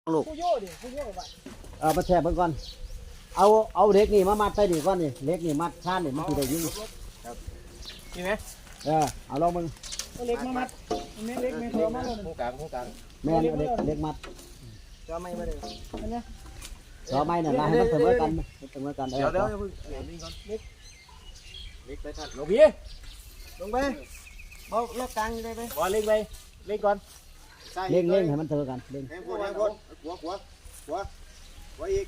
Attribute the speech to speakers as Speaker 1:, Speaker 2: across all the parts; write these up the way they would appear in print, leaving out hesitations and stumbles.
Speaker 1: ลูก
Speaker 2: ผู้โย่ดิผู้โย่ไป
Speaker 1: มาแช่เบิ่งก่อนเอาเหล็กนี่มามัดใส่นี่ก่อนนี่เหล็กนี่มัดชานนี่มันสิได้ยิง
Speaker 3: นี่ไหม
Speaker 1: เอาลองมึง
Speaker 2: เล็กมามัดแม่เล็กแม่เธอมาเลย
Speaker 3: หูกลางหูกลาง
Speaker 1: แม่นเอาเหล็กมัด
Speaker 3: จะไม่มาเลย
Speaker 2: อันนี้
Speaker 1: ต่อไม้น่ะนะให้มันเสมอกันเสมอกัน
Speaker 3: เดี๋ยวอย่าเพิ่งเดี๋ยวนี่ก่อนเล็กไปทันลงพี่ลงไปเบาล็อกกลางได้ไหมบอลเล็กไปเล็กก่อน
Speaker 1: เล่งให้มันเสมอกันเล่ง
Speaker 3: แทงหัวอีก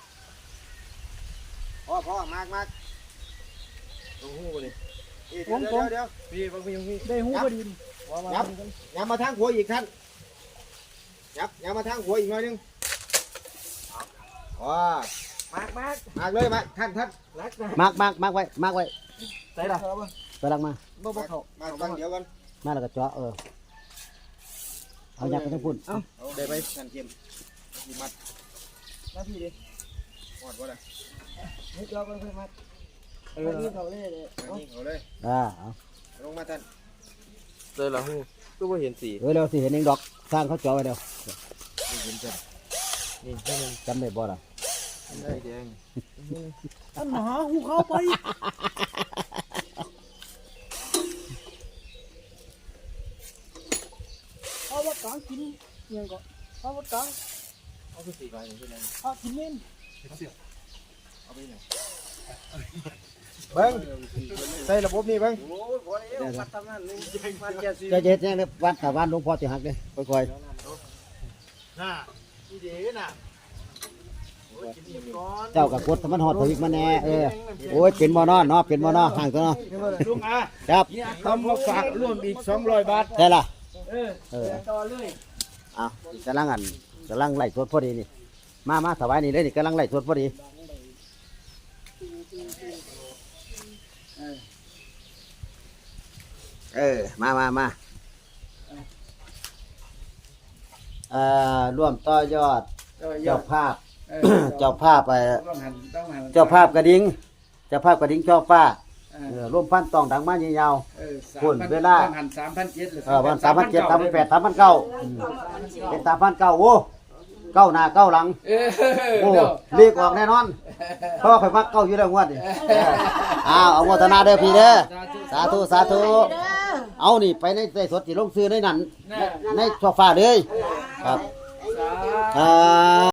Speaker 3: พ่อมากลงหูดิเดี๋ยวพี่บางพี่
Speaker 2: ได้หูพอดี
Speaker 3: ย้ำมาทางหัวอีกท่านย้ำมาทางหัวอีกหน่อยนึงมากเลยมาท่านรักนะ
Speaker 1: มากไว้
Speaker 3: ใส่ละ
Speaker 1: ไปลังมา
Speaker 3: บ่เขามาตั้งเดี๋ยวกัน
Speaker 1: มาแล้วก็เจาะเอายักไปทั้งพุ่น
Speaker 3: เอาได้ไปท่านเข็มมัด
Speaker 2: มาพี่ดิ
Speaker 3: หอดวะล่ะ
Speaker 2: ให้จอกันค่อยมัดนี่เขาเลยเลย
Speaker 3: นี่เขาเลย
Speaker 1: เอา
Speaker 3: ลงมาท่านเลยละหูก็ไม่เห็นสี
Speaker 1: เร็วสิเห็นเองดอกสร้างเขาเจาะไว้เร็ว
Speaker 3: ไม่เห็นจังนี่ให้มัน
Speaker 1: จำได้บ่ล่ะ
Speaker 3: ได้แดง
Speaker 2: อันหาหูเข้าไปเอาวัดกลางกินยังก่อนเอาวัดกลาง
Speaker 3: เอาคือสีไฟหนึ่งใช่ไหม
Speaker 2: เอากินเม่น
Speaker 3: เอาไปไหนเบิ้งใส่ระบบนี่เบิ้งโอ้ยพอแล้วปัดทำนั่นนี่ปัดแก่สี
Speaker 1: จะเฮ็ดยังวัดแต่วันหลวงพ่อสิหักเลยค่อย
Speaker 3: น่ะนี่ดีน่ะ
Speaker 1: ๆเจ้ากับกดมันหอดพออีกมาแน่โอ้ยเป็นบ่นอนเนาะเป็นบ่นอนห่างตัวเนาะ
Speaker 3: ลุงอา
Speaker 1: ครับ
Speaker 3: ทำมาฝากร่วมอีก200 บาท
Speaker 1: ได้ล่ะ
Speaker 2: ต่อเลย
Speaker 1: เอากำลังไล่สวดพอดีนี่มาถวายนี่เลยนี่กำลังไล่สวดพอดีมาร่วมต่อยอดเจ้าภาพเจ้าภาพเจ้าภาพกระดิ่งเจ้าภาพกระดิ่งช่อฟ้าร่วมพันต้องดังมาเยาวๆคุณเวลาวัน3,700 3,800 3,900เป็น3,900โอ้เก้าหน้าเก้าหลังโอ้เรียกออกแน่นอนเพราะว่าข่อยมักเก้าอยู่แล้วงวดนี่เอาโมทนาเด้อพี่เด้อสาธุเอานี่ไปในสดสิลงซื้อในนั้นในช่อฟ้าเลยครับ